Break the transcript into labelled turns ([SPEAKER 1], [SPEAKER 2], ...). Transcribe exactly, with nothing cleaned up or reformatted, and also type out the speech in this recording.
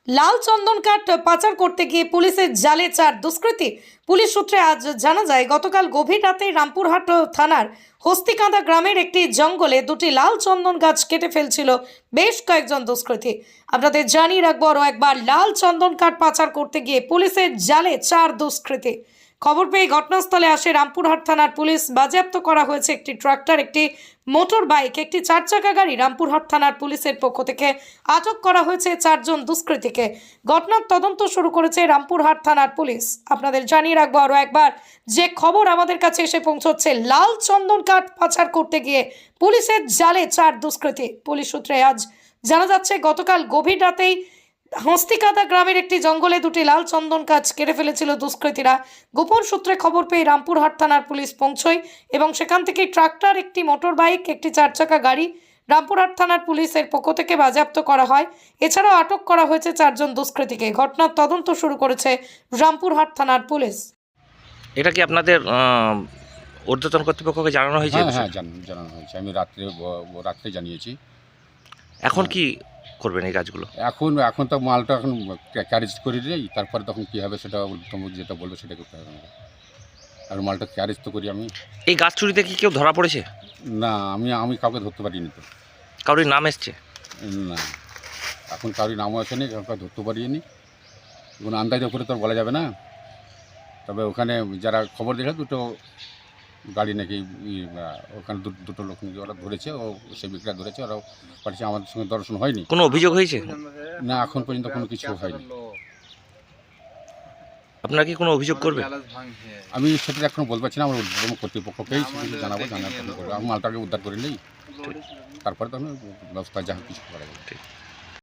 [SPEAKER 1] লাল চন্দন কাঠ পাচার করতে গিয়ে পুলিশের জালে চার দুষ্কৃতী। পুলিশ সূত্রে আজ জানা যায়, গতকাল গভীর রাতে রামপুরহাট থানার হস্তিকাঁদা গ্রামের একটি জঙ্গলে দুটি লাল চন্দন গাছ কেটে ফেলছিল বেশ কয়েকজন দুষ্কৃতী। আপনাদের জানিয়ে রাখবো আরও একবার, লাল চন্দন কাঠ পাচার করতে গিয়ে পুলিশের জালে চার দুষ্কৃতী। খবর পেয়ে ঘটনাস্থলে আসে রামপুরহাট থানার পুলিশ। বাজেয়াপ্ত করা হয়েছে একটি ট্রাক্টর, একটি মোটর বাইক, একটি চার চাকা গাড়ি। রামপুরহাট থানার পুলিশের পক্ষ থেকে আটক করা হয়েছে চারজন দুষ্কৃতীকে। ঘটনার তদন্ত শুরু করেছে রামপুরহাট থানার পুলিশ। আপনাদের জানিয়ে রাখবো আরও একবার, যে খবর আমাদের কাছে এসে পৌঁছচ্ছে, লাল চন্দন কাঠ পাচার করতে গিয়ে পুলিশের জালে চার দুষ্কৃতী। পুলিশ সূত্রে আজ জানা যাচ্ছে, গতকাল গভীর রাতেই হস্তিকাঁদা গ্রামের একটি জঙ্গলে দুটি লাল চন্দন গাছ কেটে ফেলেছিল দুষ্কৃতীরা। গোপন সূত্রে খবর পেয়ে রামপুরহাট থানার পুলিশ পৌঁছয় এবং সেখান থেকে ট্রাক্টর, একটি মোটর বাইক, একটি চার চাকা গাড়ি রামপুরহাট থানার পুলিশের পক্ষ থেকে বাজেয়াপ্ত করা হয়। এছাড়াও আটক করা হয়েছে চারজন দুষ্কৃতীকে। ঘটনার তদন্ত শুরু করেছে রামপুরহাট থানার পুলিশ।
[SPEAKER 2] এটা কি আপনাদের আহ, ঊর্ধ্বতন কর্তৃপক্ষকে জানানো হয়েছে?
[SPEAKER 3] হ্যাঁ হ্যাঁ জান- জানানো হয়েছে। আমি রাত্রে ব- ব- রাত্রে জানিয়েছি।
[SPEAKER 2] এখন কি করবেন এই কাজগুলো?
[SPEAKER 3] এখন এখন তো মালটা এখন ক্যারেজ করে দিই, তারপরে তখন কী হবে সেটা তুমি যেটা বলবে সেটা করতে হবে আমাকে। আর মালটা ক্যারেজ তো করি আমি।
[SPEAKER 2] এই গাছ চুরিতে কি কেউ ধরা পড়েছে?
[SPEAKER 3] না, আমি আমি কাউকে ধরতে পারিনি তো।
[SPEAKER 2] কারোর নাম এসছে?
[SPEAKER 3] না, এখন কারোর নামও আসেনি, কাউকে ধরতে পারিনি। কোনো আন্দাজের উপরে তো আর বলা যাবে না। তবে ওখানে যারা খবর দিয়েছে, দুটো গাড়ি নাকি ই, আহ, ওখানে দু- দুটো লোক নাকি ওরা ধরেছে, ও সেই বিক্রেতা ধরেছে, ওরাও পাঠিয়েছে। আমাদের সঙ্গে দর্শন হয়নি।
[SPEAKER 2] কোনো অভিযোগ হয়েছে?
[SPEAKER 3] না, এখন পর্যন্ত কোনো কিছু হয়নি।
[SPEAKER 2] আপনারা কি কোনো অভিযোগ করবে?
[SPEAKER 3] আমি সেটা এখন বলতে পারছি না। আমার ঊর্ধ্বতন কর্তৃপক্ষকেই সেটা জানাবো, জানার পরে করবো। আমি মালটাকে উদ্ধার করে নিই, তারপরে তো আমি ব্যবস্থা যা কিছু করা যাবে।
[SPEAKER 2] ঠিক।